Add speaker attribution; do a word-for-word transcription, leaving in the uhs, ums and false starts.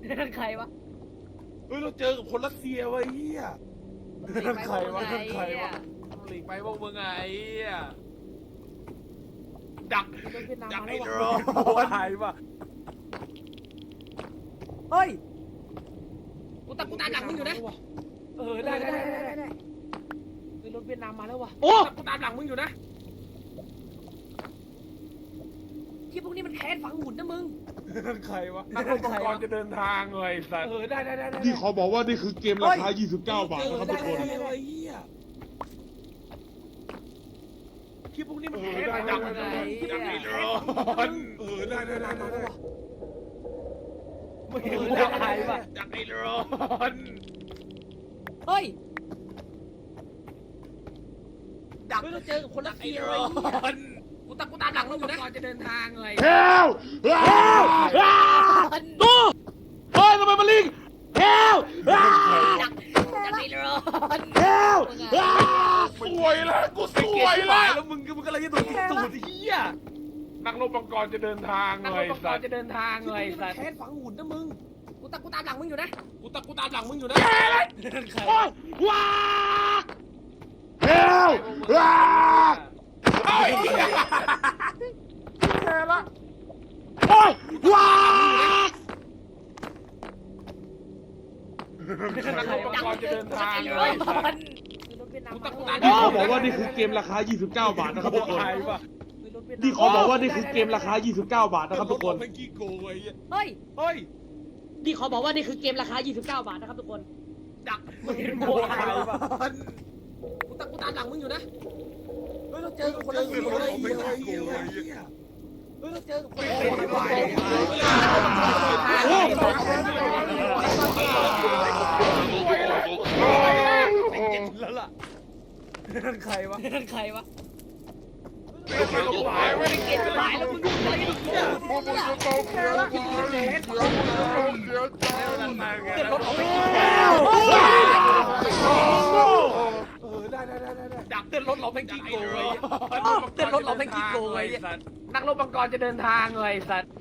Speaker 1: นั่นใครวะ
Speaker 2: เฮ้ยเราเจอกับคนรัสเซียวะไอ้เหี้ย
Speaker 1: นั่นใครวะนั่นใครวะ
Speaker 3: หลีกไปพวกมึงไงไอ้เหี้ย
Speaker 2: ดัก
Speaker 1: รถเวียดนาม
Speaker 2: ดัก
Speaker 1: มา
Speaker 2: ไอ้
Speaker 1: แล้ว
Speaker 2: ร
Speaker 1: วะ
Speaker 2: อหายว่ะ
Speaker 1: เฮ้ยกูตามกูตามหลังมึงอยู่นะ
Speaker 2: เออได้ได้ได้ได้ได้
Speaker 1: เฮ้ยรถเวียดนามมาแล้ววะ
Speaker 2: โอ้กูตามหลังมึงอยู่นะ
Speaker 1: ที่พวกนี้มันแค้นฝังหุ่นนะมึง
Speaker 2: นั่นใครวะนักรบมังกรจะเดินทางเลยสัตว์เออได้ได้ได้ได้
Speaker 4: ที่เขาบอกว่านี่คือเกมราคา ยี่สิบเก้า บาทนะครับทุกคน
Speaker 2: ได้ได้ได้ไอ้เหี้ยที่พวกนี้มันแพ้ไปดักมันดักไอ้ร้อนเออได้ได้ได้ได้ไม่เห็นดักไอ้ปะดักไอ้ร้อน
Speaker 1: เฮ้ย
Speaker 2: ดัก
Speaker 1: เฮ้ยเราเจอกับคนรัส
Speaker 2: ไอ้
Speaker 1: เซีย
Speaker 2: ร้
Speaker 1: ไอ้
Speaker 2: อ
Speaker 1: เหี้ย
Speaker 2: น
Speaker 1: กูตามกูตามหลังมึงอยู่นะ
Speaker 2: ก่อนจะเดินทางเลย
Speaker 4: เฮลเฮลตู้เฮ้ยทำไมมันลิงเฮล
Speaker 1: ดักดักไอ้ร้อน
Speaker 4: เฮล
Speaker 2: สวยแล้วกูสวยแล้วแล้วมึงมึงก็เลยจะโดนสูดเหี้ยนักรบมังกรจะเดินทาง
Speaker 1: นัก
Speaker 2: เล
Speaker 1: รบ
Speaker 2: ย
Speaker 1: มังก
Speaker 2: สั
Speaker 1: ร
Speaker 2: ตว์
Speaker 1: จะเดินทาง
Speaker 2: เล
Speaker 1: เลย ย
Speaker 2: สั
Speaker 1: สั
Speaker 2: ต
Speaker 1: ต
Speaker 2: ว์
Speaker 1: ว์แค้นฝังหุ่นนะมึง กูตามกูตามหลังมึงอยู่นะ
Speaker 2: กูตามกูตามหลังมึงอยู่นะ
Speaker 4: โอ้ยว้าเฮลว้า
Speaker 2: เอ้ย
Speaker 4: แพ้ละโอ้ยว้า
Speaker 2: นักรบมังกรจะเดินทางเล
Speaker 1: เฮ้ย
Speaker 2: ยสัตว์
Speaker 1: รถเวียดนามมาแล้ว
Speaker 4: ที่เขาบอกว่านี่คือเกมราคา ยี่สิบเก้า บาทนะครับทุกคน
Speaker 2: ใครวะ
Speaker 4: ที่เขาบอกว่านี่คือเกมราคา ยี่สิบเก้า บาทนะครับทุกคน
Speaker 2: เป็นกี้โกงไอ้เหี้ย
Speaker 1: เฮ้ย
Speaker 2: เฮ้ย
Speaker 1: ที่เขาบอกว่านี่คือเกมราคา ยี่สิบเก้า บาทนะครับทุกคน
Speaker 2: ดักไม่เห็นโมไทยวะ
Speaker 1: กูตามกูตามหลังมึงอยู่นะ เฮ้ยเราเจอกับคน
Speaker 2: เจ
Speaker 1: รั
Speaker 2: อ
Speaker 1: ส
Speaker 2: เป็
Speaker 1: เซี
Speaker 2: น
Speaker 1: ย
Speaker 2: คน
Speaker 1: ไอ้
Speaker 2: ของเป็น
Speaker 1: เหี้ย
Speaker 2: ไอ้เหี้ย
Speaker 1: เฮ้ยเราเจอกับคน
Speaker 2: ไม่
Speaker 1: รัส
Speaker 2: เห็
Speaker 1: เซีย
Speaker 2: นไหว แล้วล่ะนั่นใครวะ
Speaker 1: นั่นใครวะ
Speaker 2: ไม่ใช่ลูกหมายไม่ได้เก็บ
Speaker 1: ตายแล้วมึงดูอะไรดิเนี่ย
Speaker 2: เดินรถออกไปเออได้ได้ได้ได้ดักเต้นรถเราเป็นกี้โกงเลยเต้นรถเราเป็นกี้โกงเลยนักรบมังกรจะเดินทางเลยสัตว์